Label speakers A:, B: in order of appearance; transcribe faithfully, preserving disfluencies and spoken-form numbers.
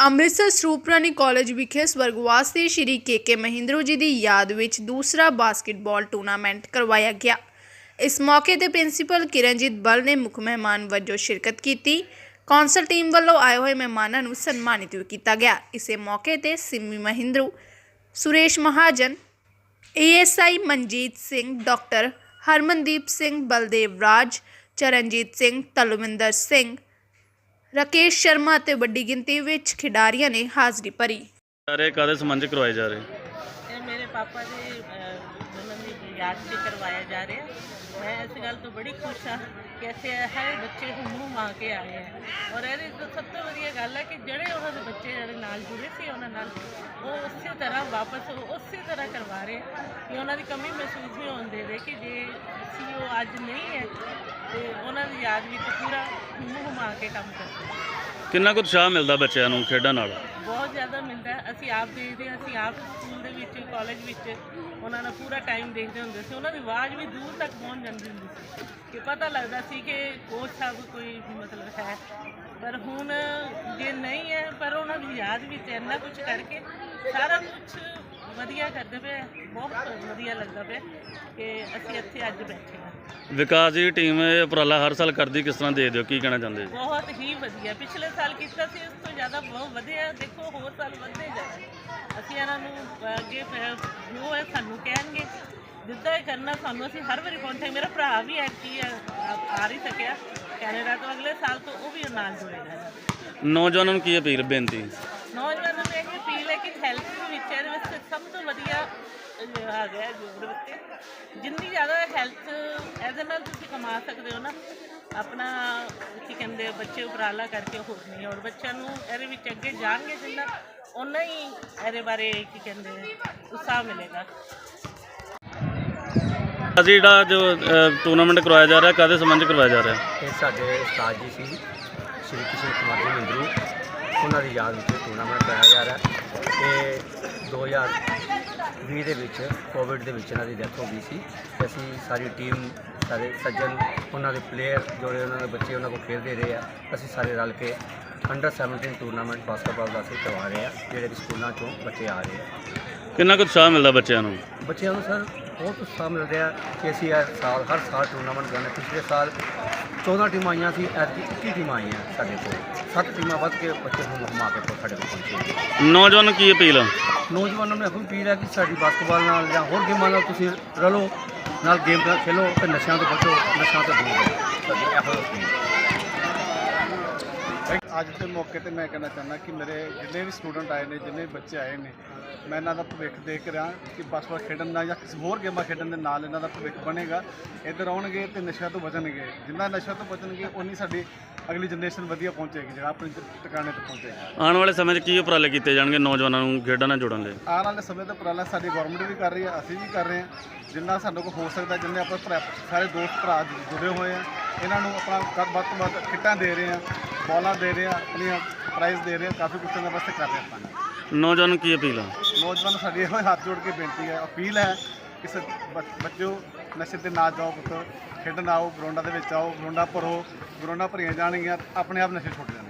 A: Amritsar ਸਰੂਪਰਾਣੀ college ਵਿਖੇ ਸਵਰਗਵਾਸ ਦੇ ਸ਼੍ਰੀ ਕੇ ਕੇ ਮਹਿੰਦਰੂ ਜੀ ਦੀ ਯਾਦ ਵਿੱਚ ਦੂਸਰਾ ਬਾਸਕਟਬਾਲ ਟੂਰਨਾਮੈਂਟ ਕਰਵਾਇਆ ਗਿਆ। ਇਸ ਮੌਕੇ ਤੇ ਪ੍ਰਿੰਸੀਪਲ ਕਿਰਨਜੀਤ ਬਲ ਨੇ ਮੁੱਖ ਮਹਿਮਾਨ ਵਜੋਂ ਸ਼ਿਰਕਤ ਕੀਤੀ। ਕੌਂਸਲ ਟੀਮ ਵੱਲੋਂ ਆਏ ਹੋਏ ਮਹਿਮਾਨਾਂ ਨੂੰ ਸਨਮਾਨਿਤ ਵੀ ਕੀਤਾ ਗਿਆ। ਇਸੇ ਮੌਕੇ ਤੇ Simmi Mahindru, Suresh Mahajan, A S I Manjit Singh, doctor Harmandeep Singh, Baldev Raj, Charanjit Singh, Talwinder Singh, Rakesh Sharma ते वड्डी गिनती विच खिडारियों ने हाज़री भरी।
B: कादे संबंध करवाए जा रहे?
C: ये मेरे पापा की जन्म की याद से करवाया जा रहा है। मैं इस गल तो बड़ी खुश हाँ कि ऐसे हर बच्चे मुँह मां के आए हैं और ये तो सब तो वधिया गल है कि जोड़े उन्होंने बच्चे जो नाल जुड़े थे उन्होंने वो उस तरह वापस उस तरह करवा रहे हैं कि उन्होंने कमी महसूस नहीं होने दे रहे कि जे सी वो अज नहीं है तो उन्होंने याद में पूरा मुँह मां के काम करते हैं।
B: कितना कुछ उत्साह मिलता बच्चों को खेडण नाल?
C: बहुत ज़्यादा मिलता है। असी आप देखते हैं, असी आप स्कूल के कॉलेज उन्होंने पूरा टाइम देखते होंगे से उन्होंने आवाज़ भी दूर तक पहुँच जाती होंगी कि पता लगता सी कि कोच साहब कोई मतलब है, पर हुण जे नहीं है पर उन्होंने याद भी इन्ना कुछ करके सारा कुछ वधिया करते पे। बहुत वधिया लगता पे कि असी इत्थे अज बैठे हैं।
B: विकास जी टीम उपराला हर साल करती, किस तरह दे दो की कहना चाहते?
C: बहुत ही वधिया, पिछले साल किया सी, उस तो ज़्यादा बहुत वधिया। देखो होर साल वधदे जाए, असीं इन्हां नूं अगे जो है सानूं कहणगे जिद्दां ही करना सानूं, असीं हर वारी पहुंचे। मेरा भरा भी ऐतकी आ नहीं सकिया कैनेडा तो, अगले साल तो वो भी नाल जुड़ेगा।
B: नौजवानों की अपील बेनती?
C: नौजवानों में यही अपील है कि हैल्थ विच सब तो वधिया आ गया जोड़ बच्चे जिन्नी ज़्यादा हैल्थ एहदे नाल तुसीं कमा सकते हो ना अपना की कहते बच्चे उपराला करके हो नहीं, और बच्चों को ये विच अगे जाएंगे जिन्ना उन्ना ही ये बारे की कहते उत्साह मिलेगा।
B: अजी जो टूर्नामेंट करवाया जा रहा है कादे संबंध करवाया जा रहा है?
D: ये साडे उस्ताद जी सी श्री किशन कुमार जी मंदरू, उन्होंने याद में टूर्नामेंट कराया जा रहा है। ये दो हज़ार भी दे विच कोविड दे विच इन्हां दी डेथ हो गई सी। असीं सारी टीम सारे सज्जन उन्होंने प्लेयर जोड़े उन्होंने बच्चे उन्होंने को खेलते रहे हैं। असीं सारे रल के अंडर सैवनटीन टूरनामेंट बास्केटबॉल का असीं करवा रहे हैं, जिहड़े कि स्कूलों चों बच्चे आ रहे हैं।
B: कितना कुछ उत्साह मिलता बच्चों को?
D: बच्चों को सर बहुत उत्साह मिल रहा है कि असीं हर साल हर साल टूरनामेंट करने। पिछले साल चौदह टीम आईयां सी, ऐतकी इक्की टीम आई हैं साढ़े को, सत्त टीमां वध के बच्चे को घुमा के साढ़े को पहुंचे।
B: नौजवानों की अपील?
D: नौजवानों ने यही अपील है कि साड़ी बास्केटबॉल नाल जां होर गेमां नाल तुसीं रलो, नाल गेम खेलो तो नशा तो बचो, नशा तो दूर रहो।
E: अज के मौके पर मैं कहना चाहना कि मेरे जिन्ने भी स्टूडेंट आए हैं, जिन्ने भी बच्चे आए हैं, मैं इन्हों का भविख देख रहा कि बास्केटबॉल खेडन या किसी होर गेमां खेडन के नाल इन्हों का भविख बनेगा। इधर आउणगे तो नशा तो बचणगे, जिन्ना नशा तो बचणगे उन्नी साडी अगली जनरेशन वधिया पहुँचेगी, जो अपने टिकाने पर पहुँचेगी।
B: आने वाले समय की उपराले किए जाएंगे नौजवानों को खेडਾਂ ਨਾਲ जोड़न लई?
E: आने वाले समय तो उपराला साडी गौरमेंट भी कर रही है, असीं भी कर रहे हैं, जिन्ना सानू को हो सकता, जिन्ने अपने सारे दोस्त भरा जुड़े हुए हैं, इन्हों अपना वध तो वध किटां दे रहे हैं, बॉलां दे रहे हैं, अपनी प्राइज़ दे रहे हैं, काफ़ी कुछ इन्हां वास्ते कर रहे हैं। अपना
B: नौजवानों की अपील?
E: नौजवान साड़ी ये हाथ जोड़ के बेनती है, अपील है कि बच्चों नशे ते ना जाओ, पुत्तर खेडन आओ, ग्राउंडा दे विच आओ, ग्राउंडा भरो, ग्राउंडा भरियां जाणगियां, अपने आप नशे छुट जाण।